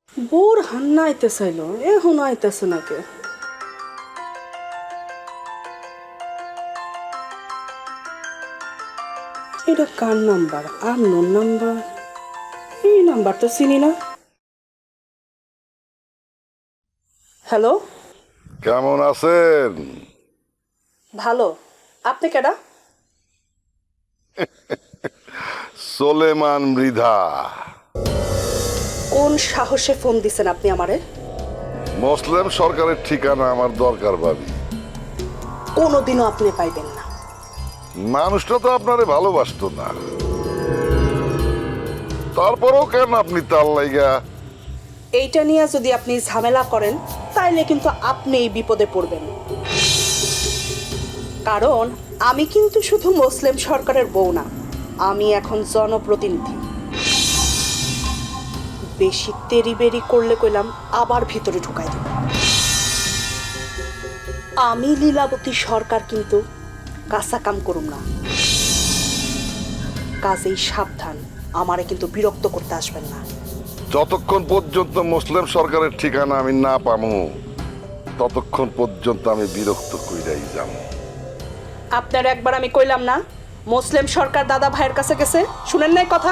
Bore Hannah আইতে চাইল, এখন আইতেছে নাকি? এটা কার নাম্বার? Unknown number. এই নাম্বার তো চিনি না। হ্যালো, কেমন আছেন? ভালো। আপনি কেডা? সোলেমান মৃধা। কোন সাহসে ফোন দিছেন আপনি আমারে? মুসলিম সরকারের ঠিকানা আমার দরকার ভাবি। কোনোদিনও আপনি পাইবেন না। মানুষটা তো আপনারে ভালোবাসতো না, তারপরেও কেন আপনি তার লাইগা? এইটা নিয়ে যদি আপনি ঝামেলা করেন তাইলে কিন্তু আপনিই বিপদে পড়বেন। কারণ আমি কিন্তু শুধু মুসলিম সরকারের বউ না, আমি এখন জনপ্রতিনিধি। বেশি তেরি করলে কইলাম আবার ভিতরে ঢুকাই দেব। আমি লীলাবতী সরকার কিন্তু কাঁচা কাম করুম না। কাজেই সাবধান, আমারে কিন্তু বিরক্ত করতে আসবেন না। যতক্ষণ পর্যন্ত মুসলিম সরকারের ঠিকানা আমি না পামু ততক্ষণ পর্যন্ত আমি বিরক্ত কইরাই যাব। আপনার একবার আমি কইলাম না মুসলিম সরকার দাদা ভাইয়ের কাছে গেছে? শুনেন নাই কথা?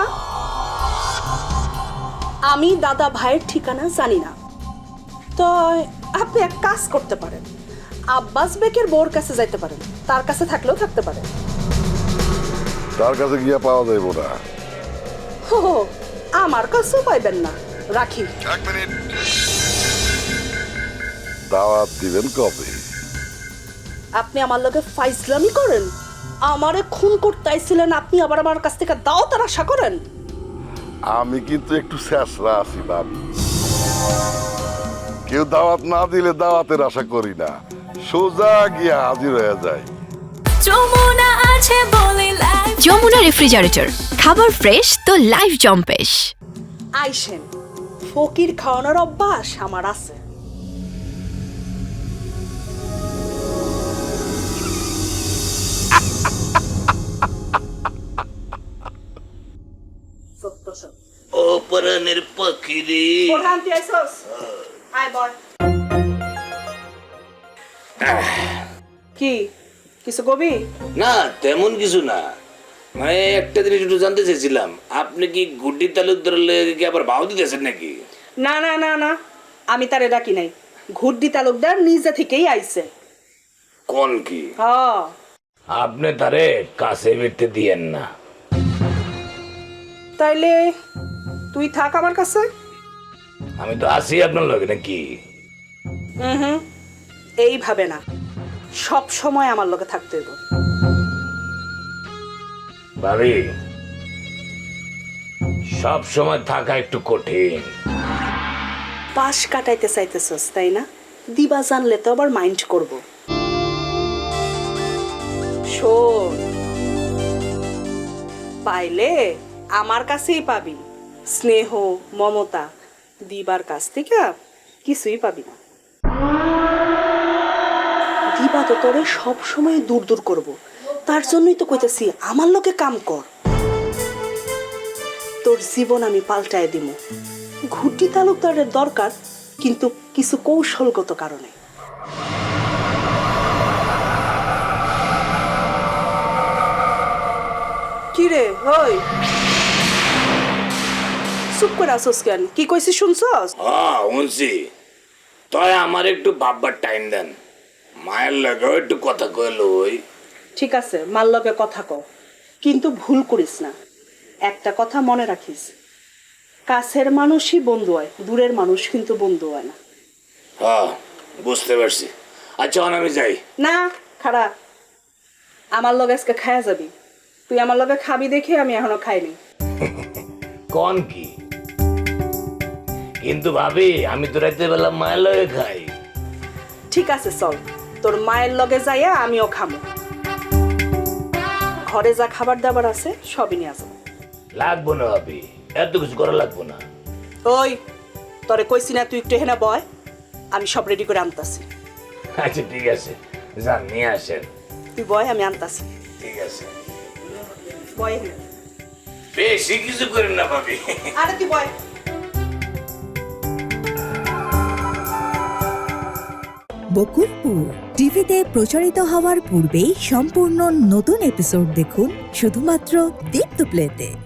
আমি দাদা ভাইয়ের ঠিকানা জানি না। তো আপনি এক কাজ করতে পারেন, আব্বাস বেকের বউর কাছে যাইতে পারেন, তার কাছে থাকলেও থাকতে পারেন। তার কাছে গিয়া পাওয়া যাইব না। হো হো, আমার কাছেও পাইবেন না। রাখি। এক মিনিট, দাওয়াত দিবেন কবে? আপনি আমার লগে ফাইজলামি করেন? আমারে খুন করতে আইছিলেন, আপনি আবার আমার কাছ থেকে দাওয়াতের আশা করেন? আমি কিন্তু একটু শেষরা আছি ভাবি। কেউ দাওয়াত না দিলে দাওয়াতের আশা করি না, সোজা গিয়া হাজির হয়ে যায়। যমুনা আছে বলে লাইফ। যমুনা রেফ্রিজারেটর, খাবার ফ্রেশ তো লাইফ জম্পেশ। আইসেন, ফকির খাওয়ানোর অভ্যাস আমার আছে। ও পরাণের পাখি রে। কি কিছু কবি? না তেমন কিছু না, মানে একটা জিনিস একটু জানতে চাইছিলাম, আপনি কি গুড্ডি তালুকদার কি আবার ভাও দিতেছেন নাকি? না না না না, আমি তারে ডাকি নাই। ঘুরদি তালুকদার নিজে থেকেই আইছে। কোন কি? হ্যাঁ, আপনি তারে কাছে বেরতে দিয়েন না। তাইলে তুই থাক আমার কাছে। আমি তো আছি আপনার লগে নাকি? হুম, এইভাবে না, সব সময় আমার লগে থাকতে হইব। ভাবি, সব সময় থাকা একটু কঠিন। পাশ কাটাইতে চাইতেছস তাই না? দিবা জানলে তো আবার মাইন্ড করব। শোন, পাইলে আমার কাছেই পাবি স্নেহ, মমতা। দিবার কাছ থেকে কিছুই পাবি না। দিবা তো তোরে সব সময় দূর দূর করব, তার জন্যই তো কইতেছি আমার লোকে কাম কর। তোর জীবন আমি পাল্টায় দিব। ঘুটি তালুকদারের দরকার, কিন্তু কিছু কৌশলগত কারণে। কিরে হই, চুপ করে আসস কেন? কি কইছিস শুনছস? হ্যাঁ শুনছি। তাই আমার একটু ভাববার টাইম দেন, মায়ের লগেও একটু কথা কইল। ওই ঠিক আছে, মার লগে কথা কও, কিন্তু ভুল করিস না। একটা কথা মনে রাখিস, কাছের মানুষই বন্ধু হয়, দূরের মানুষ কিন্তু বন্ধু হয় না। হ্যাঁ বুঝতে পারছি। আচ্ছা আমি যাই। না, খারাপ। আমার লগে আজকে খায়া যাবি। তুই আমার লগে খাবি দেখে আমি এখনো খাইনি। কোন কি? কিন্তু ভাবি আমি তো রাতে বেলা মায়ের লগে খাই। ঠিক আছে চল, তোর মায়ের লগে যাইয়া আমিও খামো। ঘরে যা খাবার দাবার আছে সবই নিয়ে আসবো। লাগবো না ভাবি, এত কিছু করা লাগবো না। ওই, তোরে কইছি না তুই একটু হেনা বয়, আমি সব রেডি করে আনতাছি। আচ্ছা ঠিক আছে, যান নিয়ে আসেন। তুই বয়, আমি আনতাছি। ঠিক আছে, বয় এখানে। বেশি কিছু করেন না ভাবি। আরে তুই বয়। বকুলপুর টিভিতে প্রচারিত হওয়ার পূর্বেই সম্পূর্ণ নতুন এপিসোড দেখুন শুধুমাত্র দীপ্ত প্লেতে।